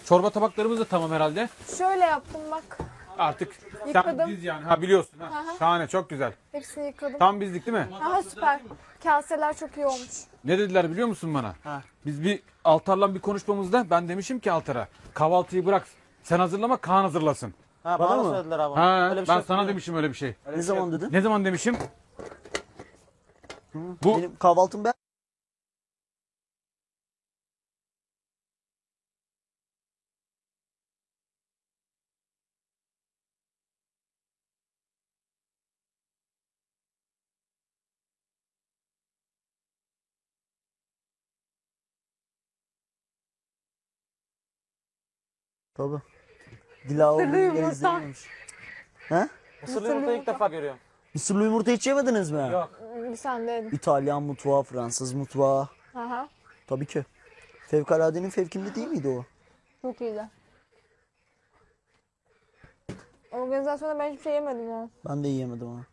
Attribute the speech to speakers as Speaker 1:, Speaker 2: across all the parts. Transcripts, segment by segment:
Speaker 1: Çorba tabaklarımız da tamam herhalde.
Speaker 2: Şöyle yaptım bak.
Speaker 1: Artık sen
Speaker 2: Yıkadım.
Speaker 1: biz yani. Ha biliyorsun. Ha.
Speaker 2: Aha.
Speaker 1: Şahane, çok güzel.
Speaker 2: Hepsini yıkadım.
Speaker 1: Tam bizlik değil mi?
Speaker 2: Aha süper. Kaseler çok iyi olmuş.
Speaker 1: Ne dediler biliyor musun bana?
Speaker 3: Ha.
Speaker 1: Biz bir Altar'la bir konuşmamızda ben demişim ki Altar'a kahvaltıyı bırak. Sen hazırlama, Kaan hazırlasın.
Speaker 3: Ha,
Speaker 4: Bana
Speaker 3: bana
Speaker 4: mı?
Speaker 3: söylediler abi.
Speaker 1: Ha,
Speaker 3: Öyle bir
Speaker 1: ben
Speaker 3: şey
Speaker 1: sana
Speaker 3: yok.
Speaker 1: demişim öyle bir şey.
Speaker 3: Öyle
Speaker 4: Ne
Speaker 3: bir şey
Speaker 4: zaman
Speaker 3: yok.
Speaker 4: dedin?
Speaker 1: Ne zaman demişim? Bu
Speaker 4: Benim kahvaltım ben. Tabii. Dila
Speaker 2: Mısırlı
Speaker 4: olduğunu
Speaker 2: yumurta.
Speaker 4: izlememiş. He?
Speaker 3: Mısırlı yumurtayı ilk defa görüyorum.
Speaker 4: Mısırlı yumurta hiç yemediniz mi?
Speaker 3: Yok.
Speaker 2: Bir sen de.
Speaker 4: İtalyan mutfağı, Fransız mutfağı.
Speaker 2: Aha.
Speaker 4: Tabii ki. Fevkaladenin fevkinde değil miydi o?
Speaker 2: Çok iyiydi. Organizasyonda ben hiçbir şey yemedim ya.
Speaker 4: Ben de yiyemedim ha.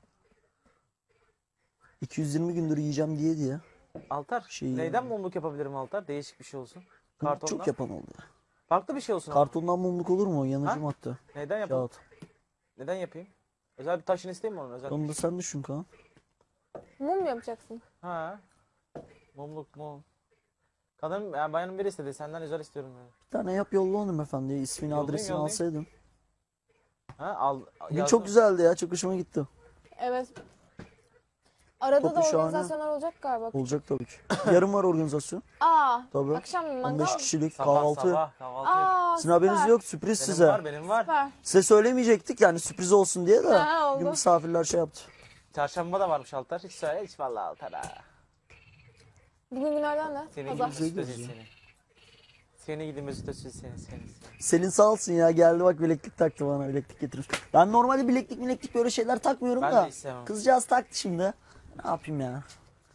Speaker 4: 220 gündür yiyeceğim diye.
Speaker 3: Altar.
Speaker 4: Şey-
Speaker 3: Neyden mumluk yapabilirim Altar? Değişik bir şey olsun. Kartondan.
Speaker 4: Çok yapan oldu ya.
Speaker 3: Farklı bir şey olsun. ama.
Speaker 4: Kartondan mumluk olur mu? Yanıcı
Speaker 3: Ha?
Speaker 4: madde.
Speaker 3: Neyden yapalım?
Speaker 4: Kağıt.
Speaker 3: Neden yapayım? Özel bir taşını isteyeyim mi onun? Özel.
Speaker 4: Onu da sen düşün Kaan.
Speaker 2: Mum mu yapacaksın?
Speaker 3: Ha. Mumluk mum. Kadın yani bayanın biri istedi. Senden özel istiyorum yani.
Speaker 4: Bir tane yap yolla hanımefendiye. İsmini
Speaker 3: Yollayayım,
Speaker 4: adresini
Speaker 3: yollayayım.
Speaker 4: alsaydın.
Speaker 3: Ha al.
Speaker 4: Bugün
Speaker 3: yazdım.
Speaker 4: çok güzeldi ya. Çok hoşuma gitti.
Speaker 2: Evet. Arada da
Speaker 4: Topu şahane.
Speaker 2: organizasyonlar olacak galiba.
Speaker 4: Olacak tabii ki. Yarın var organizasyon.
Speaker 2: Aa.
Speaker 4: Tabii.
Speaker 2: Akşam mangal
Speaker 4: 15
Speaker 2: mı?
Speaker 4: kişilik
Speaker 3: Sabah
Speaker 4: kahvaltı.
Speaker 3: sabah kahvaltı.
Speaker 2: Aa.
Speaker 4: Sizin haberiniz
Speaker 2: süper.
Speaker 4: yok. Sürpriz
Speaker 3: Benim
Speaker 4: size.
Speaker 3: var benim var.
Speaker 2: Süper.
Speaker 4: Size söylemeyecektik yani sürpriz olsun diye de.
Speaker 2: Ha, oldu.
Speaker 4: Bugün misafirler şey yaptı.
Speaker 3: Çarşamba da varmış Altar. Hiç söyle hiç vallahi Altar ha.
Speaker 2: Bugün günlerden ne?
Speaker 3: Seni
Speaker 2: Pazar.
Speaker 3: gidi Mesut Özil seni. Seni gidi Mesut Özil seni.
Speaker 4: Selin sağ olsun ya geldi bak bileklik taktı bana bileklik getirmiş. Ben normalde bileklik böyle şeyler takmıyorum
Speaker 3: Ben
Speaker 4: da.
Speaker 3: de istemem.
Speaker 4: Kızcağız taktı şimdi. Ne yapayım ya?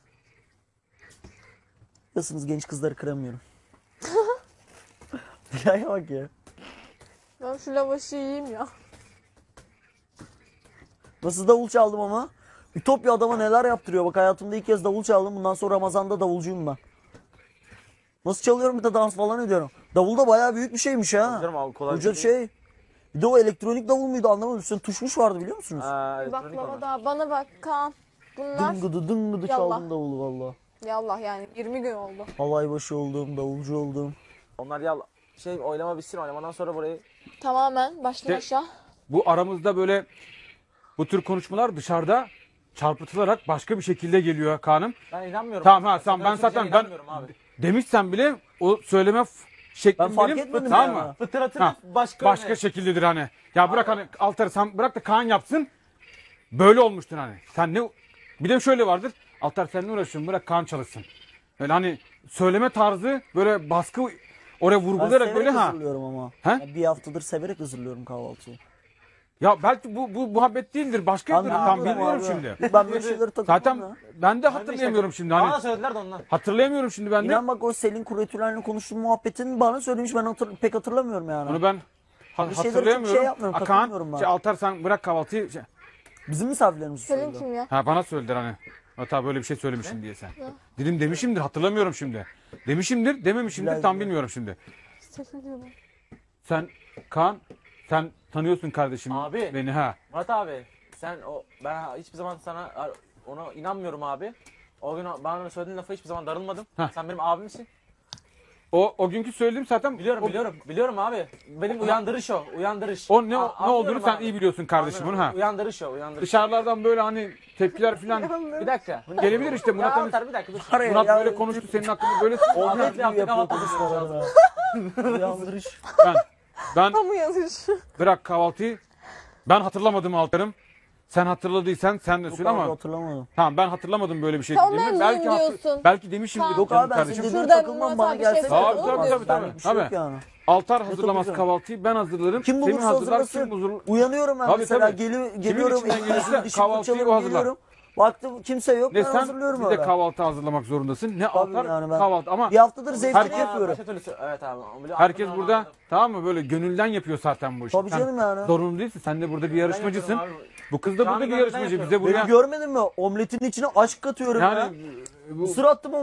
Speaker 4: Biliyorsunuz genç kızları kıramıyorum. Dilaya bak ya.
Speaker 2: Ben şu lavaşı yiyeyim ya.
Speaker 4: Nasıl davul çaldım ama. Ütopya adama neler yaptırıyor. Bak hayatımda ilk kez davul çaldım. Bundan sonra Ramazan'da davulcuyum ben. Nasıl çalıyorum bir de dans falan ediyorum. Davul da bayağı büyük bir şeymiş ha.
Speaker 3: Canım abi kolay
Speaker 4: Hoca
Speaker 3: bir şey.
Speaker 4: şey. Bir de o elektronik davul muydu anlamadım. Üstüne tuşmuş vardı biliyor musunuz?
Speaker 3: Elektronik
Speaker 2: Baklava
Speaker 3: onlar.
Speaker 2: da. Bana bak Kaan. Bunlar
Speaker 4: Dıngıdı
Speaker 2: Yallah.
Speaker 4: çaldım davulu valla.
Speaker 2: yallah yani 20 gün oldu.
Speaker 4: Halay başı oldum, davulcu oldum.
Speaker 3: Onlar ya şey oylama bitsin oylamadan sonra burayı
Speaker 2: Tamamen baştan
Speaker 1: İşte-
Speaker 2: aşağı.
Speaker 1: bu aramızda böyle bu tür konuşmalar dışarıda çarpıtılarak başka bir şekilde geliyor Kaan'ım.
Speaker 3: ben inanmıyorum.
Speaker 1: Tamam ha sen
Speaker 3: Sen
Speaker 1: ben
Speaker 3: öyle
Speaker 1: zaten
Speaker 3: söyleyeceğine
Speaker 1: ben
Speaker 3: inanmıyorum abi.
Speaker 1: demişsen bile o söyleme şeklim
Speaker 4: Ben fark
Speaker 1: benim
Speaker 4: etmedim
Speaker 1: tamam
Speaker 4: ya.
Speaker 1: mı?
Speaker 3: Fıtratın
Speaker 1: Ha,
Speaker 3: başka
Speaker 1: Başka şekildedir hani. Ya bırak hani Altar'ı sen bırak da Kaan yapsın. Böyle olmuştur hani. Sen ne bir de şöyle vardır. Altar sen ne uğraşıyorsun? Bırak Kaan çalışsın. Böyle hani söyleme tarzı böyle baskı oraya
Speaker 4: Ben
Speaker 1: vurgulayarak
Speaker 4: severek
Speaker 1: böyle ha.
Speaker 4: hazırlıyorum ama.
Speaker 1: He?
Speaker 4: Ya bir haftadır severek hazırlıyorum kahvaltıyı.
Speaker 1: Ya belki bu muhabbet değildir. Başkadır. Tam
Speaker 4: Anladım
Speaker 1: bilmiyorum
Speaker 4: abi.
Speaker 1: şimdi.
Speaker 4: Ben böyle şeyleri takılmam
Speaker 1: Zaten
Speaker 4: ya.
Speaker 1: ben de hatırlayamıyorum şimdi hani.
Speaker 3: Bana söylediler de ondan.
Speaker 1: Hatırlayamıyorum şimdi ben de.
Speaker 4: İnan bak o Selin Kuretülen'le konuştuğum muhabbetin bana söylemiş ben pek hatırlamıyorum yani.
Speaker 1: Onu ben
Speaker 4: Bir şeyleri çok
Speaker 1: hatırlayamıyorum.
Speaker 4: şey yapmıyorum,
Speaker 1: Kaan,
Speaker 4: takılmıyorum ben.
Speaker 1: Altar sen bırak kahvaltıyı.
Speaker 4: Bizim misafirlerimiz
Speaker 2: Selin
Speaker 4: söylüyor.
Speaker 2: kim ya?
Speaker 1: Ha bana söylediler hani. Hatta böyle bir şey söylemişim diye sen. Dedim demişimdir hatırlamıyorum şimdi. Demişimdir dememişimdir
Speaker 4: Bilal
Speaker 1: tam
Speaker 4: diyor.
Speaker 1: bilmiyorum şimdi.
Speaker 2: Selin diyorum.
Speaker 1: Sen Kaan sen tanıyorsun kardeşim
Speaker 3: Abi.
Speaker 1: beni ha.
Speaker 3: Murat abi sen ben hiçbir zaman sana ona inanmıyorum abi. O gün bana söylediğin lafa hiçbir zaman darılmadım.
Speaker 1: Heh.
Speaker 3: Sen benim abimsin.
Speaker 1: O günkü söylediğim zaten
Speaker 3: Biliyorum abi. Benim uyandırış o. Uyandırış.
Speaker 1: O ne
Speaker 3: A-
Speaker 1: ne olduğunu
Speaker 3: anlıyorum
Speaker 1: sen
Speaker 3: abi.
Speaker 1: iyi biliyorsun kardeşim bunu
Speaker 3: Anlıyorum.
Speaker 1: ha.
Speaker 3: Uyandırış o. Uyandırış.
Speaker 1: Dışarılardan böyle hani tepkiler falan
Speaker 3: Bir dakika.
Speaker 1: gelebilir işte
Speaker 3: Ya
Speaker 1: Murat
Speaker 3: Altar bir dakika dur.
Speaker 4: Araya
Speaker 1: Murat
Speaker 4: ya,
Speaker 1: böyle konuştu senin hakkında böyle
Speaker 4: Omlet
Speaker 3: Ahmet'le
Speaker 4: gibi
Speaker 3: yaptık
Speaker 4: yapıyor
Speaker 3: ama
Speaker 4: konuşmalarını. Uyandırış.
Speaker 1: ben
Speaker 2: Kamu yazış.
Speaker 1: bırak kahvaltıyı. Ben hatırlamadım Altar'ım. Sen hatırladıysan sen de söyle
Speaker 4: Yok abi
Speaker 1: ama
Speaker 4: hatırlamadım.
Speaker 1: tamam ben hatırlamadım böyle bir şey
Speaker 2: Tamam,
Speaker 1: dediğimi.
Speaker 2: mevzuyum
Speaker 1: Belki
Speaker 2: diyorsun.
Speaker 1: belki demişimdir
Speaker 2: Tamam.
Speaker 4: Yok
Speaker 1: canım
Speaker 4: abi ben
Speaker 1: kardeşim.
Speaker 4: senin dediğine
Speaker 2: Şurada
Speaker 4: takılmam
Speaker 2: Murat
Speaker 4: bana
Speaker 2: abi bir şey
Speaker 4: gelse.
Speaker 2: söyledi,
Speaker 1: Tabii,
Speaker 2: onu
Speaker 1: tabii,
Speaker 2: diyorsun.
Speaker 1: tabii.
Speaker 4: Benlik bir şey yok
Speaker 1: Tabii.
Speaker 4: yani.
Speaker 1: Altar hazırlamaz
Speaker 4: tabii.
Speaker 1: kahvaltıyı ben hazırlarım.
Speaker 4: Kim
Speaker 1: Semih
Speaker 4: bulursa
Speaker 1: hazırlar,
Speaker 4: hazırlasın.
Speaker 1: kim bulur.
Speaker 4: Uyanıyorum ben
Speaker 1: Tabii,
Speaker 4: mesela
Speaker 1: tabii.
Speaker 4: geliyorum.
Speaker 1: içinden gelirse
Speaker 4: dişimi
Speaker 1: kahvaltıyı
Speaker 4: fırçalarım,
Speaker 1: o hazırlar.
Speaker 4: geliyorum. Baktım kimse yok
Speaker 1: Ne
Speaker 4: ben
Speaker 1: sen
Speaker 4: hazırlıyorum
Speaker 1: bir de
Speaker 4: öyle.
Speaker 1: kahvaltı hazırlamak zorundasın. Ne
Speaker 4: Tabii
Speaker 1: Altar
Speaker 4: yani ben
Speaker 1: kahvaltı ama
Speaker 4: bir haftadır zevkini
Speaker 1: Herkes-
Speaker 4: yapıyorum.
Speaker 3: Başka türlü evet abi.
Speaker 1: herkes burada tamam mı böyle gönülden yapıyor zaten bu işi.
Speaker 4: Tabii
Speaker 1: Sen
Speaker 4: canım yani.
Speaker 1: Zorunlu değilsin. Sen de burada bir yarışmacısın.
Speaker 3: yapıyorum
Speaker 1: Bu kız da
Speaker 3: Canı
Speaker 1: burada bir
Speaker 3: gönülden
Speaker 1: yarışmacı.
Speaker 3: yapıyorum.
Speaker 1: Bize buraya
Speaker 4: Beni görmedin mi? Omletin içine aşk katıyorum ya.
Speaker 1: yani bu
Speaker 4: Mısır attım